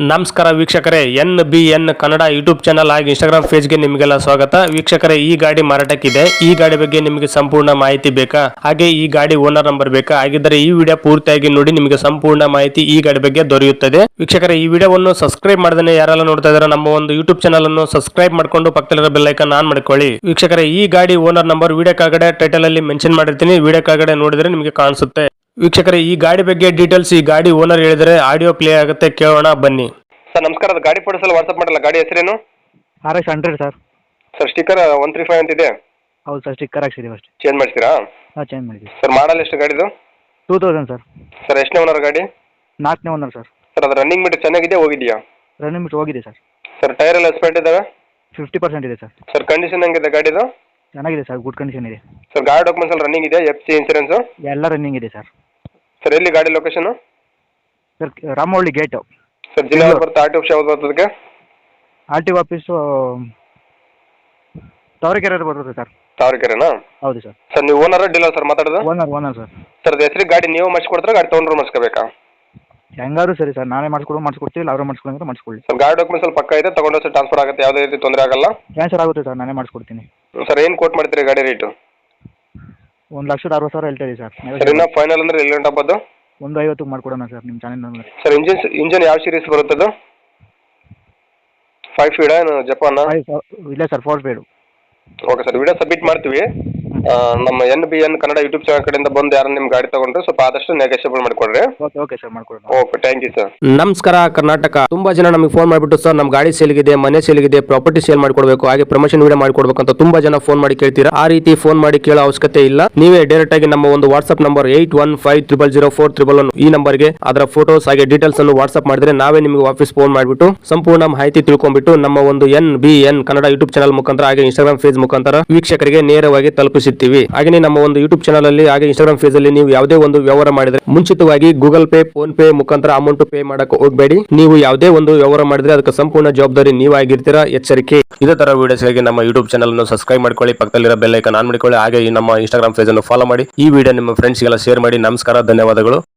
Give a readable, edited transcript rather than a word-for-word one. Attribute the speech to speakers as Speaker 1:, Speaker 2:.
Speaker 1: ನಮಸ್ಕಾರ ವೀಕ್ಷಕರೇ, NBN Kannada YouTube channel ಹಾಗೂ ಇನ್ಸ್ಟಾಗ್ರಾಮ್ ಪೇಜ್ಗೆ ನಿಮಗೆಲ್ಲ ಸ್ವಾಗತ. ವೀಕ್ಷಕರೇ, ಈ ಗಾಡಿ ಮಾರಾಟಕ್ಕಿದೆ. ಈ ಗಾಡಿ ಬಗ್ಗೆ ನಿಮಗೆ ಸಂಪೂರ್ಣ ಮಾಹಿತಿ ಬೇಕಾ, ಹಾಗೆ ಈ ಗಾಡಿ ಓನರ್ ನಂಬರ್ ಬೇಕಾ? ಹಾಗಿದ್ದರೆ ಈ ವಿಡಿಯೋ ಪೂರ್ತಿಯಾಗಿ ನೋಡಿ, ನಿಮಗೆ ಸಂಪೂರ್ಣ ಮಾಹಿತಿ ಈ ಗಾಡಿ ಬಗ್ಗೆ ದೊರೆಯುತ್ತದೆ. ವೀಕ್ಷಕರೇ, ಈ ವಿಡಿಯೋವನ್ನು ಸಬ್ಸ್ಕ್ರೈಬ್ ಮಾಡದೇ ಯಾರೆಲ್ಲ ನೋಡ್ತಾ ಇದ್ದಾರೆ, ನಮ್ಮ ಒಂದು ಯೂಟ್ಯೂಬ್ ಚಾನಲ್ ಅನ್ನು ಸಬ್ಸ್ಕ್ರೈಬ್ ಮಾಡ್ಕೊಂಡು ಪಕ್ಕದಲ್ಲಿರೋ ಬೆಲ್ ಐಕಾನ್ ಆನ್ ಮಾಡ್ಕೊಳ್ಳಿ. ವೀಕ್ಷಕರೇ, ಈ ಗಾಡಿ ಓನರ್ ನಂಬರ್ ವಿಡಿಯೋ ಕೆಳಗಡೆ ಟೈಟಲ್ ಅಲ್ಲಿ ಮೆನ್ಷನ್ ಮಾಡಿರ್ತೀನಿ, ವಿಡಿಯೋ ಕೆಳಗಡೆ ನೋಡಿದ್ರೆ ನಿಮಗೆ ಕಾಣಿಸುತ್ತೆ. ವೀಕ್ಷಕರೇ, ಈ ಗಾಡಿ ಬಗ್ಗೆ ಡೀಟೇಲ್ಸ್ ಈ ಗಾಡಿ ಓನರ್ ಹೇಳಿದರೆ ಆಡಿಯೋ ಪ್ಲೇ ಆಗುತ್ತೆ, ಕೇಳೋಣ ಬನ್ನಿ. ಸರ್ ನಮಸ್ಕಾರ, ಅದು ಗಾಡಿ ಫೋಟೋಸ್ ಎಲ್ಲ ವಾಟ್ಸಪ್ ಮಾಡಲ್ಲ. ಗಾಡಿ ಹೆಸರೇನು?
Speaker 2: RX 100 sir.
Speaker 1: ಸರ್ ಸ್ಟಿಕ್ಕರ್ 135 ಅಂತಿದೆ.
Speaker 2: ಹೌದು ಸರ್, ಸ್ಟಿಕ್ಕರ್ ಹಾಕ್ಸಿದ್ದೀವಿ ಅಷ್ಟೇ.
Speaker 1: ಚೇಂಜ್ ಮಾಡ್ತೀರಾ?
Speaker 2: ಹಾಂ, ಚೇಂಜ್ ಮಾಡಿದ್ದೀವಿ.
Speaker 1: ಸರ್ ಮಾಡಲ್ ಎಷ್ಟು ಗಾಡಿದು?
Speaker 2: 2000 ಸರ್.
Speaker 1: ಸರ್ ಎಷ್ಟನೇ ಓನರ್ ಗಾಡಿ?
Speaker 2: 4ನೇ ಓನರ್ ಸರ್.
Speaker 1: ಸರ್ ಅದು ರನ್ನಿಂಗ್ ಮೀಟರ್ ಚೆನ್ನಾಗಿದೆ, ಹೋಗಿದೆಯಾ?
Speaker 2: ರನ್ನಿಂಗ್ ಬಿಟ್ಟು ಹೋಗಿದೆ ಸರ್.
Speaker 1: ಸರ್ ಟೈರ್ ಎಲ್ಲ ಎಸ್ಪೆಂಟ್ ಇದಾವೆ?
Speaker 2: 50% ಇದೆ ಸರ್.
Speaker 1: ಸರ್ ಕಂಡೀಷನ್ ಹೆಂಗಿದೆ ಗಾಡಿದು?
Speaker 2: ಚೆನ್ನಾಗಿದೆ ಸರ್, ಗುಡ್ ಕಂಡೀಷನ್ ಇದೆ.
Speaker 1: ಸರ್ ಗಾಡಿ ಡಾಕ್ಯುಮೆಂಟ್ಸ್ ಎಲ್ಲ ರನ್ನಿಂಗ್ ಇದೆ, FC ಇನ್ಸೂರೆನ್ಸು?
Speaker 2: ಎಲ್ಲ ರನ್ನಿಂಗ್ ಇದೆ ಸರ್.
Speaker 1: ಸರ್ ಎಲ್ಲಿ ಗಾಡಿ location?
Speaker 2: Sir Ramavalli gate.
Speaker 1: Sir ಜಿಲ್ಲಾ ಬರುತ್ತೆ, RTO ಆಫೀಸ್ ಯಾವ್ದು ಬರ್ತದಕ್ಕೆ?
Speaker 2: RTO ಆಫೀಸು ತಾವರೆಕೆರೆ ಬರುತ್ತೆ ಸರ್.
Speaker 1: ತಾವರೆಕೆರೆನಾ?
Speaker 2: ಹೌದು ಸರ್.
Speaker 1: ಸರ್ ನೀವು ಓನರ್ ಡೀಲರ್ ಸರ್ ಮಾತಾಡೋದು?
Speaker 2: Owner sir.
Speaker 1: ಸರ್ ಹೆಸರಿಗೆ ಗಾಡಿ ನೀವು ಮಾಡಿಸ್ಕೊಡ್ತಾರೆ, ಗಾಡಿ ತೊಗೊಂಡ್ರು ಮಾಡಿಸ್ಕೋಬೇಕಾ?
Speaker 2: ಹೆಂಗಾದ್ರು ಸರಿ ಸರ್, ನಾನೇ ಮಾಡಿಸ್ಕೊಡ್ತೀವಿ, ಇಲ್ಲ ಅವರೇ ಮಾಡಿಸ್ಕೊಡಂದ್ರೆ ಮಾಡಿಸ್ಕೊಳ್ಳಿ.
Speaker 1: ಸರ್ ಗಾಡಿ ಡಾಕ್ಯುಮೆಂಟ್ಸ್ ಎಲ್ಲ ಪಕ್ಕ ಇದೆ, ತಗೊಂಡು ಸರ್ ಟ್ರಾನ್ಸ್ಫರ್ ಆಗುತ್ತೆ, ಯಾವುದೇ ರೀತಿ ತೊಂದರೆ ಆಗಲ್ಲ?
Speaker 2: ಕ್ಯಾನ್ಸಲ್ ಆಗುತ್ತೆ ಸರ್, ನಾನೇ ಮಾಡಿಸ್ಕೊಡ್ತೀನಿ.
Speaker 1: ಸರ್ ಏನು ಕೋಟ್ ಮಾಡ್ತೀರಿ ಗಾಡಿ ರೇಟು?
Speaker 2: 1,60,000 ಹೇಳ್ತಾ ಇದೆ ಸರ್.
Speaker 1: ಸರ್ ಇನ್ನೂ ಫೈನಲ್ ಅಂದ್ರೆ ಎಲ್ಲಿ ಗಂಟೆ ಆಗ್ಬೋದು?
Speaker 2: 150 ಮಾಡ್ಕೊಡೋಣ ಸರ್ ನಿಮ್ಮ ಚಾನೆಲ್.
Speaker 1: ಸರ್ ಇಂಜನ್ ಯಾವ ಸೀರೀಸ್ ಬರುತ್ತದು? 5 ಫೀಡ ಏನು ಜಪಾನ?
Speaker 2: ಇಲ್ಲ sir, 4 speed.
Speaker 1: Okay sir, video submit ಮಾಡ್ತೀವಿ. ನಮ್ಮ NBN ಕನ್ನಡ ಯೂಟ್ಯೂಬ್ ಚಾನಲ್ ಕಡೆಯಿಂದ ಬಂದು ಯಾರು ನಿಮ್ಮ ಗಾಡಿ ತಗೊಂಡ್ರೆ ಸ್ವಲ್ಪ ಆದಷ್ಟು ನೆಗೋಷಿಯಬಲ್ ಮಾಡಿಕೊಡ್ರಿ.
Speaker 2: ಓಕೆ ಸರ್, ಮಾಡ್ಕೊಡೋಣ.
Speaker 1: Okay, thank you sir.
Speaker 3: ನಮಸ್ಕಾರ ಕರ್ನಾಟಕ. ತುಂಬಾ ಜನ ನಮಗೆ ಫೋನ್ ಮಾಡಿಬಿಟ್ಟು ಸರ್ ನಮ್ಮ ಗಾಡಿ ಸೇಲ್ಗಿದೆ, ಮನೆ ಸೇಲ್ಗಿದೆ, ಪ್ರಾಪರ್ಟಿ ಸೇಲ್ ಮಾಡ್ಕೊಡ್ಬೇಕು, ಹಾಗೆ ಪ್ರಮೋಷನ್ ವಿಡಿಯೋ ಮಾಡ್ಕೊಡ್ಬೇಕು ಅಂತ ತುಂಬಾ ಜನ ಫೋನ್ ಮಾಡಿ ಕೇಳ್ತೀರಾ. ಆ ರೀತಿ ಫೋನ್ ಮಾಡಿ ಕೇಳೋ ಅವಶ್ಯಕತೆ ಇಲ್ಲ. ನೀವೇ ಡೈರೆಕ್ಟ್ ಆಗಿ ನಮ್ಮ ಒಂದು ವಾಟ್ಸ್ಆಪ್ ನಂಬರ್ 81500411 ಈ ನಂಬರ್ಗೆ ಅದರ ಫೋಟೋಸ್ ಹಾಗೆ ಡೀಟೇಲ್ಸ್ ಅನ್ನು ವಾಟ್ಸ್ಆಪ್ ಮಾಡಿದ್ರೆ ನಾವೇ ನಿಮಗೆ ವಾಪಸ್ ಫೋನ್ ಮಾಡಿಬಿಟ್ಟು ಸಂಪೂರ್ಣ ಮಾಹಿತಿ ತಿಳ್ಕೊಂಡ್ಬಿಟ್ಟು ನಮ್ಮ ಒಂದು NBN ಕನ್ನಡ ಯೂಟ್ಯೂಬ್ ಚಾನಲ್ ಮುಖಾಂತರ ಹಾಗೆ ಇನ್ಸ್ಟಾಗ್ರಾಮ್ ಪೇಜ್ ಮುಖಾಂತರ ವೀಕ್ಷಕರಿಗೆ ನೇರವಾಗಿ ತಲುಪಿಸುತ್ತೀವಿ. ಹಾಗೆ ನಮ್ಮ ಒಂದು ಯೂಟ್ಯೂಬ್ ಚಾನಲ್ ಅಲ್ಲಿ ಹಾಗೆ ಇನ್ಸ್ಟಾಗ್ರಾಮ್ ಪೇಜ್ ಅಲ್ಲಿ ನೀವು ಯಾವುದೇ ಒಂದು ವ್ಯವಹಾರ ಮಾಡಿದ್ರೆ ಮುಂಚಿತವಾಗಿ ಗೂಗಲ್ ಪೇ, ಫೋನ್ ಪೇ ಮುಖಾಂತರ ಅಮೌಂಟ್ ಪೇ ಮಾಡಕ್ಕೆ ಹೋಗಬೇಡಿ. ನೀವು ಯಾವುದೇ ಒಂದು ವ್ಯವಹಾರ ಮಾಡಿದ್ರೆ ಅದಕ್ಕೆ ಸಂಪೂರ್ಣ ಜವಾಬ್ದಾರಿ ನೀವಾಗಿರ್ತೀರಾ, ಎಚ್ಚರಿಕೆ. ಇದೇ ತರ ವಿಡಿಯೋಸ್ಗಾಗಿ ನಮ್ಮ ಯೂಟ್ಯೂಬ್ ಚಾನಲ್ ಅನ್ನು ಸಬ್ಸ್ಕ್ರೈಬ್ ಮಾಡ್ಕೊಳ್ಳಿ, ಪಕ್ಕದಲ್ಲಿರೋ ಬೆಲ್ ಐಕಾನ್ ಆನ್ ಮಾಡಿಕೊಳ್ಳಿ, ಹಾಗೆ ನಮ್ಮ ಇನ್ಸ್ಟಾಗ್ರಾಮ್ ಪೇಜ್ ಅನ್ನು ಫಾಲೋ ಮಾಡಿ. ಈ ವಿಡಿಯೋ ನಿಮ್ಮ ಫ್ರೆಂಡ್ಸ್ಗೆಲ್ಲ ಶೇರ್ ಮಾಡಿ. ನಮಸ್ಕಾರ, ಧನ್ಯವಾದಗಳು.